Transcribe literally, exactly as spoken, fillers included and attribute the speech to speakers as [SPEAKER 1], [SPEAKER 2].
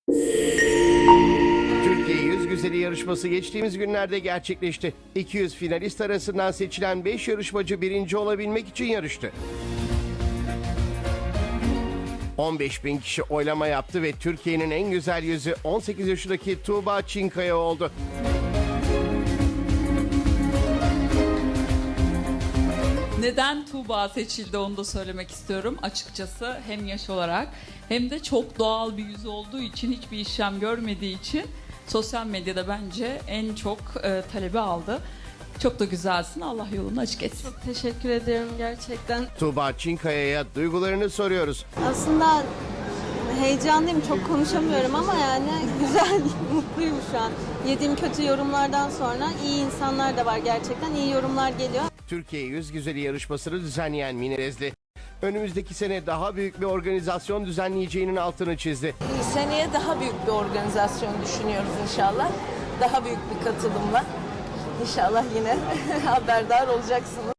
[SPEAKER 1] Türkiye Yüz Güzeli yarışması geçtiğimiz günlerde gerçekleşti. iki yüz finalist arasından seçilen beş yarışmacı birinci olabilmek için yarıştı. on beş bin kişi oylama yaptı ve Türkiye'nin en güzel yüzü on sekiz yaşındaki Tuğba Çinkaya oldu.
[SPEAKER 2] Neden Tuğba seçildi onu da söylemek istiyorum açıkçası. Hem yaş olarak hem de çok doğal bir yüz olduğu için, hiçbir işlem görmediği için sosyal medyada bence en çok e, talebi aldı. Çok da güzelsin. Allah yolunu açık etsin.
[SPEAKER 3] Çok teşekkür ederim gerçekten.
[SPEAKER 1] Tuğba Çinkaya'ya duygularını soruyoruz.
[SPEAKER 3] Aslında heyecanlıyım, çok konuşamıyorum ama yani güzel, mutluyum şu an. Yediğim kötü yorumlardan sonra iyi insanlar da var gerçekten. İyi yorumlar geliyor.
[SPEAKER 1] Türkiye Yüz Güzeli yarışmasını düzenleyen Mine Rezli, önümüzdeki sene daha büyük bir organizasyon düzenleyeceğinin altını çizdi.
[SPEAKER 4] Seneye daha büyük bir organizasyon düşünüyoruz inşallah. Daha büyük bir katılımla. İnşallah yine haberdar olacaksınız.